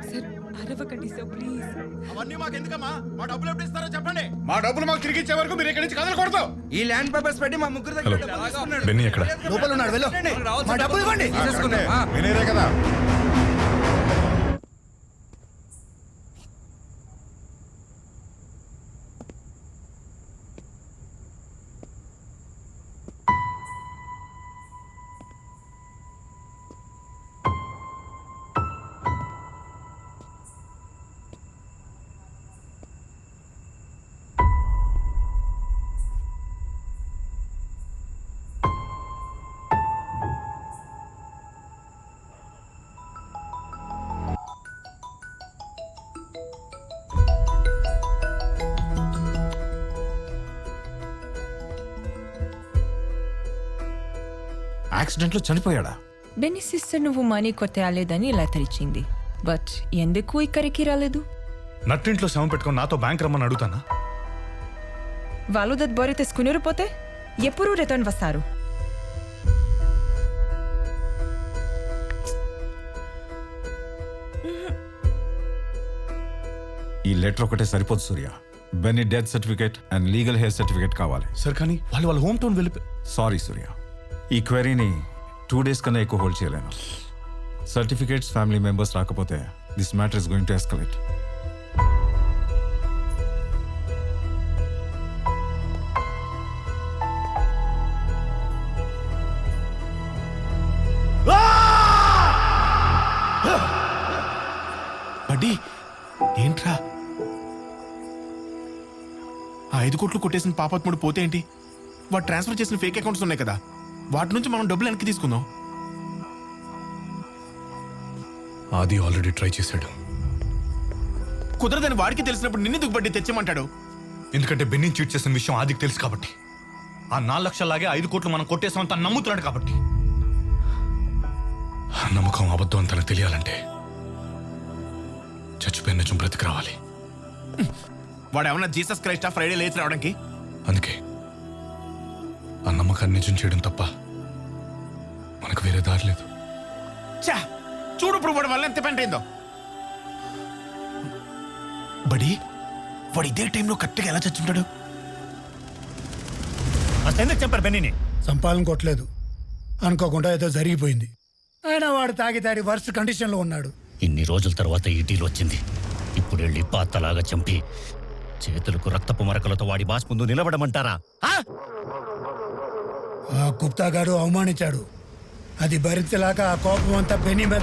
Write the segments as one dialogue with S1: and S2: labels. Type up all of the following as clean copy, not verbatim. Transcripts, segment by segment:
S1: Sir అరవకండి sir please.
S2: అవన్నీ మాకు ఎందుకమ్మా? మా డబ్బులు ఎప్పుడు ఇస్తారో చెప్పండి. మా డబ్బులు మాకు తిరిగి ఇచ్చే వరకు మీరు ఇక్కడి నుంచి కదలకూడదు.
S3: ఈ ల్యాండ్ పేపర్స్ పెట్టి మా ముగ్గురు దగ్గర డబ్బులు తీసుకున్నాడు.
S4: బెన్నీ ఎక్కడ?
S3: లోపల ఉన్నాడు. వెళ్ళు. మా డబ్బులు ఇవ్వండి.
S2: వినేరే కదా.
S4: యాక్సిడెంట్ లో చనిపోయాడా?
S1: బెన్నీ సిస్టర్ నువ్వు మనీ కొట్టేయాలేదని ఇలా తెరిచింది. బట్ ఎందుకు ఇక్కడికి రాలేదు?
S4: నట్టింట్లో శవం పెట్టుకొని నాతో బ్యాంక్ రమ్మని అడుగుతానా?
S1: వాళ్ళు దట్ తీసుకుని పోతే ఎప్పుడు రిటర్న్ వస్తారు?
S5: ఈ లెటర్ ఒకటే సరిపోదు Surya. Benny death certificate and legal heir certificate కావాలి.
S4: సార్ కానీ వాళ్ళ హోమ్ టౌన్ వెళ్ళిపోయి.
S5: సారీ సూర్య, ఈ క్వెరీని 2 days కన్నా ఎక్కువ హోల్డ్ చేయలేను. సర్టిఫికేట్స్ ఫ్యామిలీ మెంబర్స్ రాకపోతే this matter is going to escalate.
S6: Buddy ఏంట్రా? ఆ 5 కోట్లు కొట్టేసిన పాపాత్ముడు పోతే ఏంటి? వాడు ట్రాన్స్ఫర్ చేసిన ఫేక్ అకౌంట్స్ ఉన్నాయి కదా, వాటి నుంచి మనం డబ్బులు వెనక్కి తీసుకుందాం.
S4: ఆది ఆల్రెడీ ట్రై చేశాడు.
S6: కుదరదని వాడికి తెలిసినప్పుడు నిన్నెందుకు బడ్డీ తెచ్చేమంటాడు?
S4: ఎందుకంటే బెన్నీ చీట్ చేసిన విషయం ఆదికి తెలుసు కాబట్టి. ఆ 4 లక్షలాగే 5 కోట్లు మనం కొట్టేసామని తను నమ్ముతున్నాడు కాబట్టి. ఆ నమ్మకం అబద్ధం అని తనకు తెలియాలంటే చచ్చిపోయిన నిజం బ్రతికి రావాలి.
S6: వాడు ఏమన్నా జీసస్ క్రైస్టా ఫ్రైడే లేచి రావడానికి?
S4: అందుకే ఆ నమ్మకాన్ని నిజం చేయడం తప్ప మనకు వేరే దారి లేదు.
S6: చా చూడు ఇప్పుడు వాడు వల్ల ఎంత పెంట అయిందో. బడి వాడు ఇదే టైంలో కరెక్ట్గా ఎలా చచ్చుంటాడు?
S7: ఎందుకు చెప్పారు బెన్నీని?
S8: సంపాదన కొట్టలేదు, అనుకోకుండా ఏదో జరిగిపోయింది. అయినా వాడు తాగి వర్స్ట్ కండిషన్లో ఉన్నాడు.
S7: ఇన్ని రోజుల తర్వాత ఈ డీల్ వచ్చింది. ఇప్పుడు వెళ్ళి పాతలాగా చంపి చేతులకు రక్తపు మరకలతో వాడి బాస్ ముందు నిలబడమంటారా?
S8: ఆ గుప్తా గారు అవమానించాడు. అది భరించలేక ఆ కోపం అంతా బెన్నీ మీద.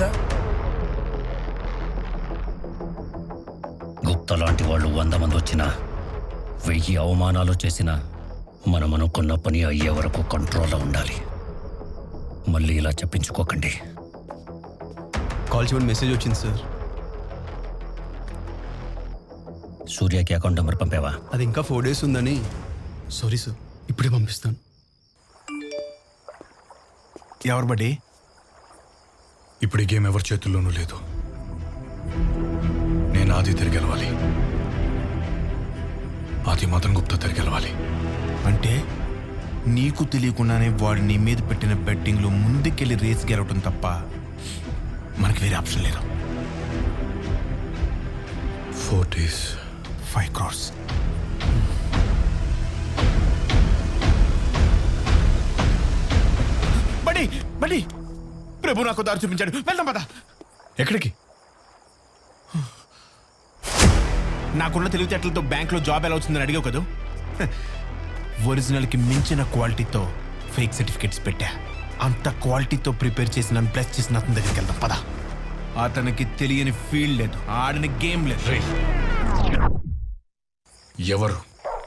S7: గుప్తా లాంటి వాళ్ళు 100 మంది వచ్చినా 1000 అవమానాలు చేసినా మనం అనుకున్న పని అయ్యే వరకు కంట్రోల్లో ఉండాలి. మళ్ళీ ఇలా చెప్పించుకోకండి.
S9: కాల్ చేయమని మెసేజ్ వచ్చింది సార్.
S7: సూర్యకి అకౌంట్ నెంబర్ పంపావా?
S9: అది ఇంకా 4 days ఉందని. సారీ సార్, ఇప్పుడే పంపిస్తాను.
S6: ఎవరు బడ్డీ?
S4: ఇప్పుడు ఈ గేమ్ ఎవరి చేతుల్లోనూ లేదు. నేను ఆది తిరిగి గెలవాలి. ఆది మదన్ గుప్తా తిరిగి గెలవాలి.
S6: అంటే నీకు తెలియకుండానే వాడు నీ మీద పెట్టిన బెట్టింగ్లో ముందుకెళ్ళి రేస్ గెలవటం తప్ప మనకి వేరే ఆప్షన్ లేదు.
S4: 4 days
S6: 5 crores. బడి బడి ప్రభు నాకు దారి చూపించాడు. వెళ్దాం పద.
S4: ఎక్కడికి?
S6: నాకున్న తెలివితేటలతో బ్యాంక్లో జాబ్ ఎలా వచ్చిందని అడిగావు కదా. ఒరిజినల్కి మించిన క్వాలిటీతో ఫేక్ సర్టిఫికేట్స్ పెట్టా. అంత క్వాలిటీతో ప్రిపేర్ చేసిన ప్లస్ చేసిన అతని దగ్గరికి వెళ్దాం పద. అతనికి తెలియని ఫీల్డ్ లేదు, ఆడని గేమ్ లేదు.
S4: ఎవరు?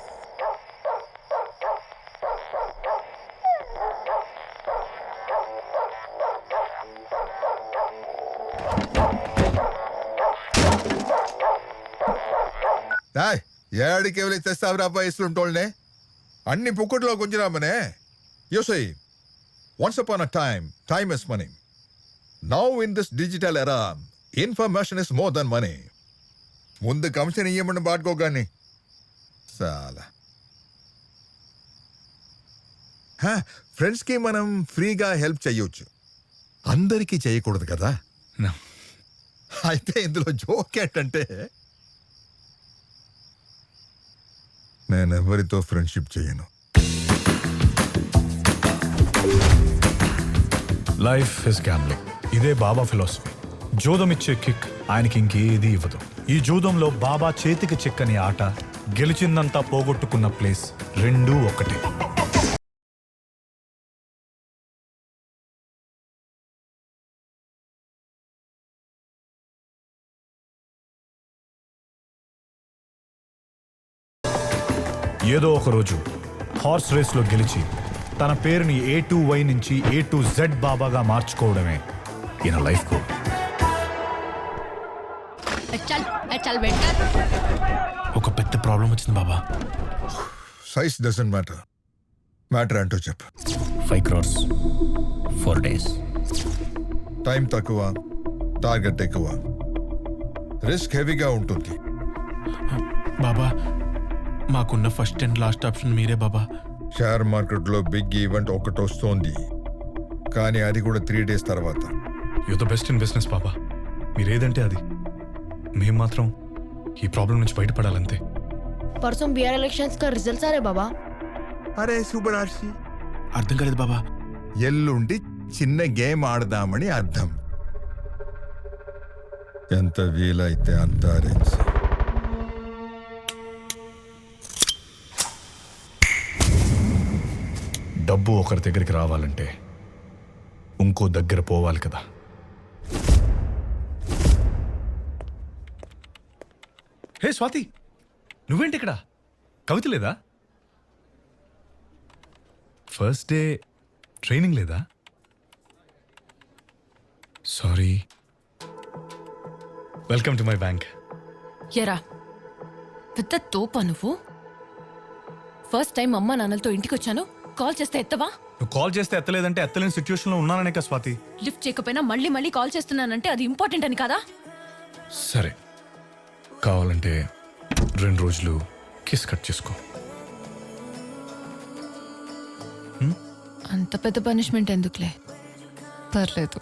S2: ఏడికి ఎవరు తెస్తావురా ఇస్తుంటోళ్ళనే అన్ని పుక్కట్లో గుంజరామనే. యోసై once upon a time is money. Now in this digital era, information is more than money. ముందు కమిషన్ ఇయ్యమని బాడుకోగాని చాలా ఫ్రెండ్స్కి మనం ఫ్రీగా హెల్ప్ చెయ్యొచ్చు, అందరికీ చేయకూడదు కదా. అయితే ఇందులో జోక్ ఏంటంటే నేను ఎవరితో ఫ్రెండ్షిప్ చేయను.
S4: Life is gambling. ఇదే బాబా ఫిలాసఫీ. జూదం ఇచ్చే కిక్ ఆయనకి ఇంకేది ఇవ్వదు. ఈ జూదంలో బాబా చేతికి చిక్కని ఆట, గెలిచిందంతా పోగొట్టుకున్న ప్లేస్ రెండూ ఒకటే. ఏదో ఒక రోజు హార్స్ రేస్లో గెలిచి తన పేరుని A2Y నుంచి A2Z బాబాగా మార్చుకోవడమే ఈయన లైఫ్ గోల్.
S6: ఒక పెద్ద ప్రాబ్లం వచ్చింది Baba.
S2: Size doesn't matter. Matter అంటూ చెప్పు.
S7: 5 crores 4 days.
S2: టైం తక్కువ, టార్గెట్ ఎక్కువ, రిస్క్ హెవీగా ఉంటుంది.
S6: బాబా మాకున్న ఫస్ట్ అండ్ లాస్ట్ ఆప్షన్ మీరే బాబా.
S2: షేర్ మార్కెట్లో బిగ్ ఈవెంట్ ఒకటి వస్తోంది, కానీ అది కూడా 3 days తర్వాత.
S4: You the best in business Baba. మీరేదంటే అది. మేం మాత్రం ఈ ప్రాబ్లం నుంచి బయటపడాలంతే.
S10: परसों बिहार इलेक्शंस का रिजल्ट आ रहे बाबा.
S2: అరే సుబ్బరాశి,
S6: అర్థం కాలేదు బాబా.
S2: ఎల్లుండి చిన్న గేమ్ ఆడదామని అర్థం. ఎంత వీలైతే అంత అరేంజ్.
S4: డబ్బు ఒకరి దగ్గరికి రావాలంటే ఇంకో దగ్గర పోవాలి కదా. హే స్వాతి, నువ్వేంటి ఇక్కడ? కవిత లేదా? ఫస్ట్ డే ట్రైనింగ్ లేదా? Sorry. Welcome to my bank.
S1: ఎరా పెద్ద తోపా నువ్వు. ఫస్ట్ టైం అమ్మా నాన్నలతో ఇంటికి వచ్చాను, కాల్ చేస్తే ఎత్తవా?
S4: నువ్వు కాల్ చేస్తే ఎత్తలేదంటే ఎత్తలేని సిచ్యువేషన్లో ఉన్నాననే కదా స్వాతి.
S1: లిఫ్ట్ చేయకపోయినా మళ్ళీ మళ్ళీ కాల్ చేస్తున్నానంటే అది ఇంపార్టెంట్ అని కాదా?
S4: సరే, కావాలంటే 2 రోజులు కిస్ కట్ చేసుకో.
S1: అంత పెద్ద పనిష్మెంట్ ఎందుకులే, పర్లేదు.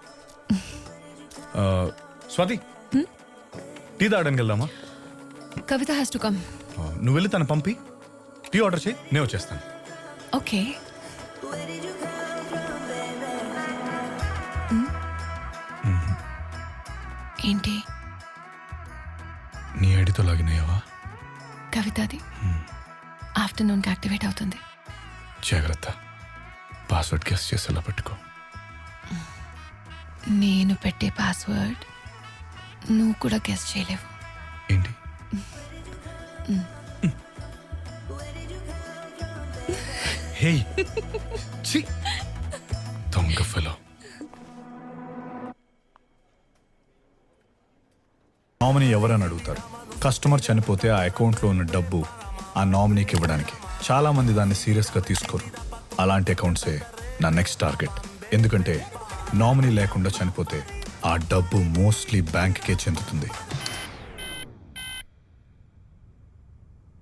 S4: స్వాతి, టీ తాగడానికి వెళ్దామా?
S1: Kavitha has to come.
S4: నువ్వు వెళ్ళి తను పంపి టీ ఆర్డర్ చేయి, నేను వచ్చేస్తాను.
S1: ఓకే. ఏంటి
S4: నీ ఐడితో లాగినాయావా?
S1: కవితది ఆఫ్టర్నూన్కి యాక్టివేట్ అవుతుంది.
S4: జాగ్రత్త, పాస్వర్డ్ గెస్ చేసేలా పెట్టుకో.
S1: నేను పెట్టే పాస్వర్డ్ నువ్వు కూడా గెస్ చేయలేవు.
S4: ఏంటి? హే ఛీ, దొంగ ఫెలో. నామినీ ఎవరని అడుగుతారు. కస్టమర్ చనిపోతే ఆ అకౌంట్లో ఉన్న డబ్బు ఆ నామినీకి ఇవ్వడానికి. చాలా మంది దాన్ని సీరియస్గా తీసుకోరు. అలాంటి అకౌంట్సే నా నెక్స్ట్ టార్గెట్. ఎందుకంటే నామినీ లేకుండా చనిపోతే ఆ డబ్బు మోస్ట్లీ బ్యాంక్కే చెందుతుంది.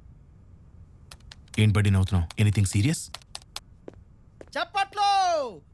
S6: ఏంటి బడ్డీ నవ్వుతున్నావు? Anything serious?
S3: చప్పట్లో